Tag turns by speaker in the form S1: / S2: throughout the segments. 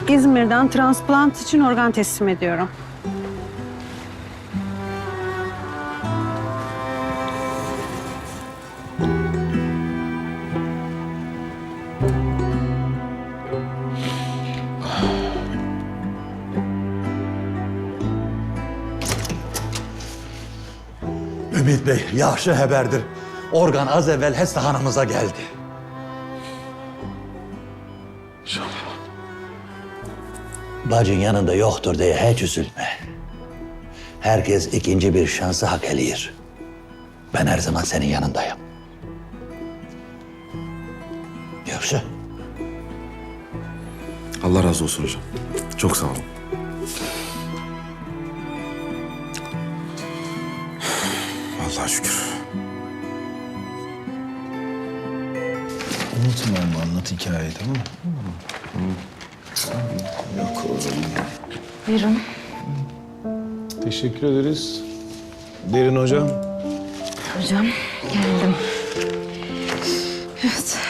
S1: İzmir'den transplant için organ teslim ediyorum.
S2: Ümit Bey, yaxşı haberdir. Organ az evvel həstəxanamıza geldi. Bacın yanında yoktur diye hiç üzülme. Herkes ikinci bir şansı hak eləyir. Ben her zaman senin yanındayım. Yoksa?
S3: Allah razı olsun hocam. Çok sağ olun. Allah'a şükür.
S4: Unutma ama anlat hikayeyi, tamam mı? Yok oğlum.
S5: Buyurun.
S4: Teşekkür ederiz. Derin hocam.
S5: Hocam geldim. Evet.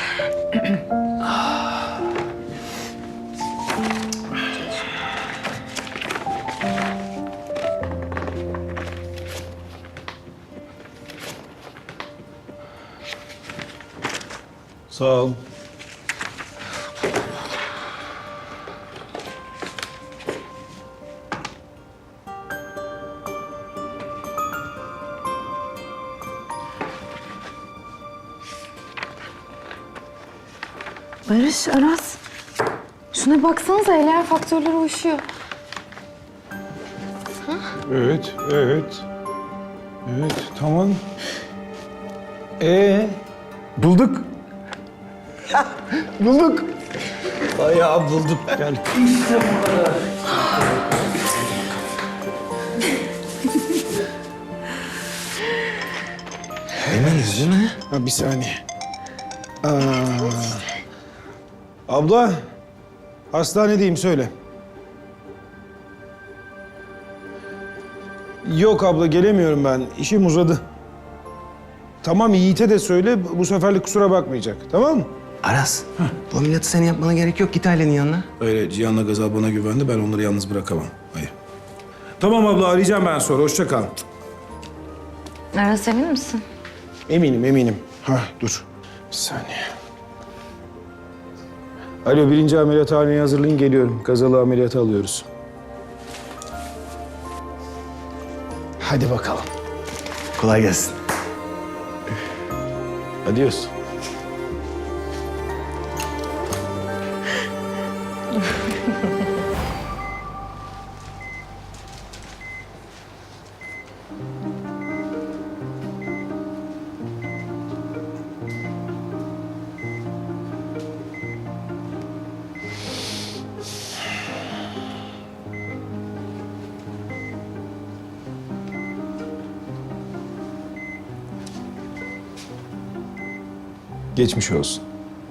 S4: Sağ ol.
S5: Barış, Aras. Şuna baksanıza, eller faktörleri uyuşuyor.
S4: Evet, evet. Evet, tamam. Bulduk. Bulduk. Bayağı bulduk. Gel.
S3: Eminiz değil mi?
S4: Ha, bir saniye. Abla, hastanedeyim, söyle. Yok abla, gelemiyorum ben. İşim uzadı. Tamam, Yiğit'e de söyle, bu seferlik kusura bakmayacak. Tamam mı?
S6: Aras, bu ameliyatı senin yapmana gerek yok. Git ailenin yanına.
S4: Öyle, Cihan'la Gazal bana güvendi. Ben onları yalnız bırakamam. Hayır. Tamam abla, arayacağım ben sonra. Hoşça kal.
S5: Aras, emin misin?
S4: Eminim, eminim. Dur. Bir saniye. Alo, 1. ameliyathaneye hazırlayın, geliyorum. Gazal'ı ameliyata alıyoruz. Hadi bakalım.
S6: Kolay gelsin.
S4: Adios. Geçmiş olsun.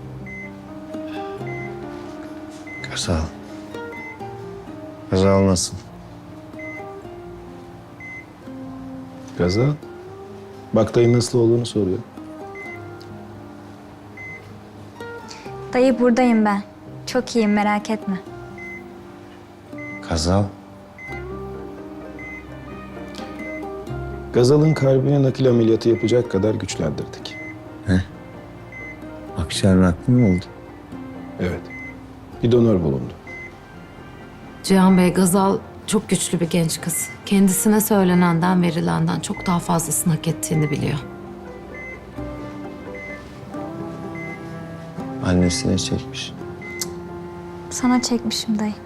S6: Sağ ol. Gazal nasıl?
S4: Gazal. Bak dayı nasıl olduğunu soruyor.
S7: Dayı buradayım ben. Çok iyiyim, merak etme.
S6: Gazal.
S4: Gazal'ın kalbine nakil ameliyatı yapacak kadar güçlendirdik.
S6: Akciğer nakli mi oldu?
S4: Evet. Bir donör bulundu.
S8: Cihan Bey, Gazal çok güçlü bir genç kız. Kendisine söylenenden, verilenden çok daha fazlasını hak ettiğini biliyor.
S6: Annesine çekmiş.
S7: Sana çekmişim dayı.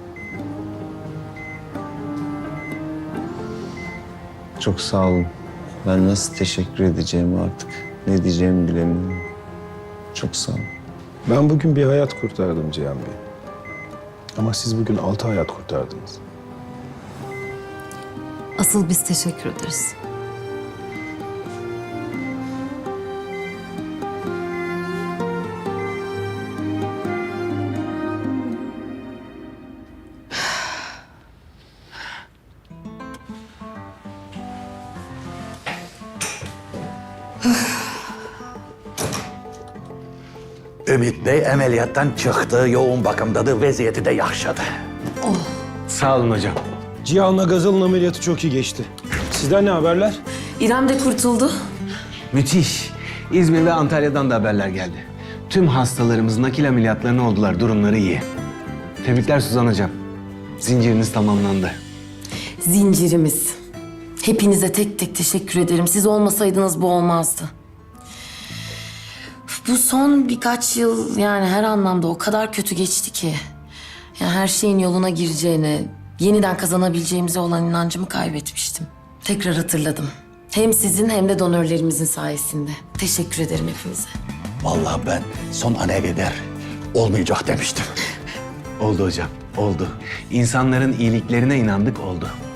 S6: Çok sağ olun. Ben nasıl teşekkür edeceğimi artık, ne diyeceğimi bilemiyorum. Çok sağ olun.
S4: Ben bugün bir hayat kurtardım Cihan Bey. Ama siz bugün 6 hayat kurtardınız.
S8: Asıl biz teşekkür ederiz.
S2: Ümit Bey ameliyattan çıktı, yoğun bakımdadır, vaziyeti de yaxşıdır.
S9: Sağ olun hocam.
S4: Cihan'la Gazal'ın ameliyatı çok iyi geçti. Sizden ne haberler?
S10: İrem de kurtuldu.
S9: Müthiş. İzmir ve Antalya'dan da haberler geldi. Tüm hastalarımız nakil ameliyatlarına oldular. Durumları iyi. Tebrikler Suzan hocam. Zinciriniz tamamlandı.
S10: Zincirimiz. Hepinize tek tek teşekkür ederim. Siz olmasaydınız bu olmazdı. Bu son birkaç yıl yani her anlamda o kadar kötü geçti ki. Yani her şeyin yoluna gireceğine, yeniden kazanabileceğimize olan inancımı kaybetmiştim. Tekrar hatırladım. Hem sizin hem de donörlerimizin sayesinde. Teşekkür ederim hepinize.
S2: Vallahi ben son ana kadar olmayacak demiştim.
S9: Oldu hocam, oldu. İnsanların iyiliklerine inandık, oldu.